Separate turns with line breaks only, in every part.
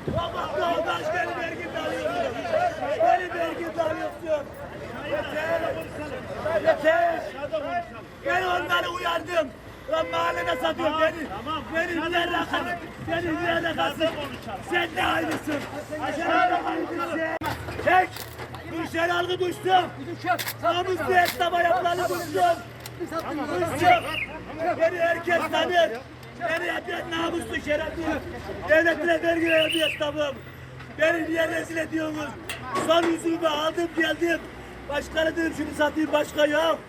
Bak yoldaş beni vergimde alıyorsun. Beni vergimde alıyorsun. Yeter. Ben onları uyardım. Lan mahallede satıyor beni. Beni niye rakasın? Beni niye rakasın? Sen de aynısın. Sen de aynısın. Çek. Müşteri algı düştüm. Namuslu esnafa yapılanı düştüm. Düştüm. Beni herkes tanır. Beni yapan namuslu şerefli. Devletine vergi veren bir esnafım. Beni niye rezil ediyorsunuz? Son yüzümü aldım geldim. Başkanı dedim şunu satayım başka yok.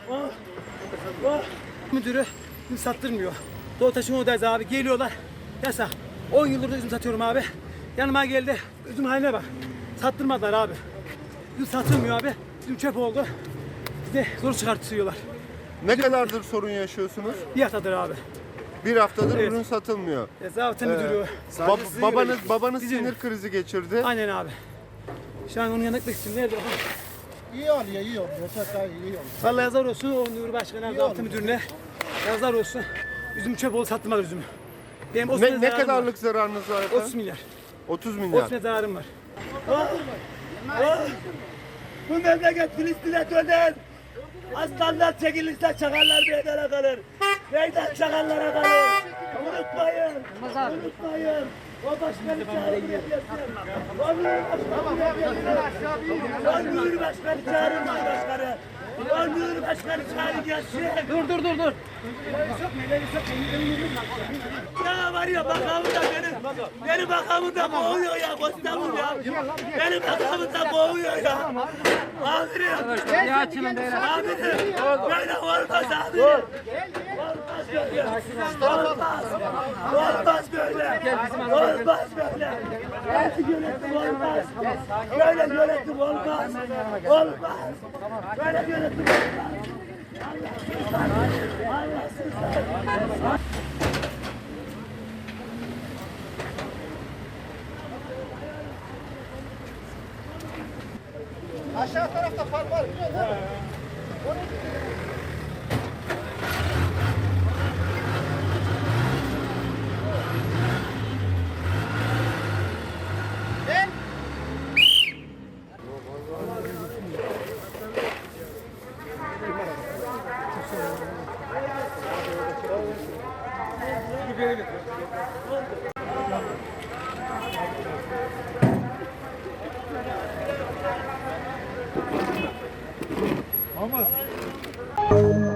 Müdürü üzüm sattırmıyor. Doğu Taş'ın oradayız abi. Geliyorlar. Yasak. 10 yıldır da üzüm satıyorum abi. Yanıma geldi. Üzüm haline bak. Sattırmadılar abi. Üzüm satılmıyor abi. Üzüm çöp oldu. Bize zor çıkartıyorlar.
Ne kadardır sorun yaşıyorsunuz?
Bir haftadır abi.
Bir haftadır
Evet.
ürün satılmıyor.
Zabıta müdürü.
Babanız
Bizim-
sinir krizi geçirdi.
Aynen abi. Şu an onun yanına gitmek istiyorum. Nerede o?
İyi oluyor, iyi oluyor. Çok daha iyi oluyor.
Vallahi yazar olsun o Nuri Başkan'a, zabıta müdürüne. Yazar olsun. Üzüm çöp oldu sattırmadı üzümü. Benim 30
Ne
zararım var.
kadarlık zararınız var
30
efendim?
milyar.
30 milyar.
30 milyar zararım var.
Bu memleket Filistin'e döner. Aslanlar çekilirse çakallar meydana kalır. Meydan çakallara kalır. Unutmayın. Unutmayın. O başkanı çağırın yapıyorsun. O Nuri Başkanı çağırın başkanı. O Nuri Başkanı çağırın gelsin.
Dur.
Ya var ya bakamında beni bakamında boğuyor ya Kostamur ya. Beni bakamında boğuyor ya. Amirim. Amirim. Böyle olmaz amirim. Olmaz böyle. Olmaz. Olmaz böyle. Olmaz böyle. Artık yönetim olmaz. Böyle yönetim olmaz. Olmaz. Böyle yönetim olmaz. Allahsızlar.
Aşağı tarafta park var, biliyor musun?
Olmaz.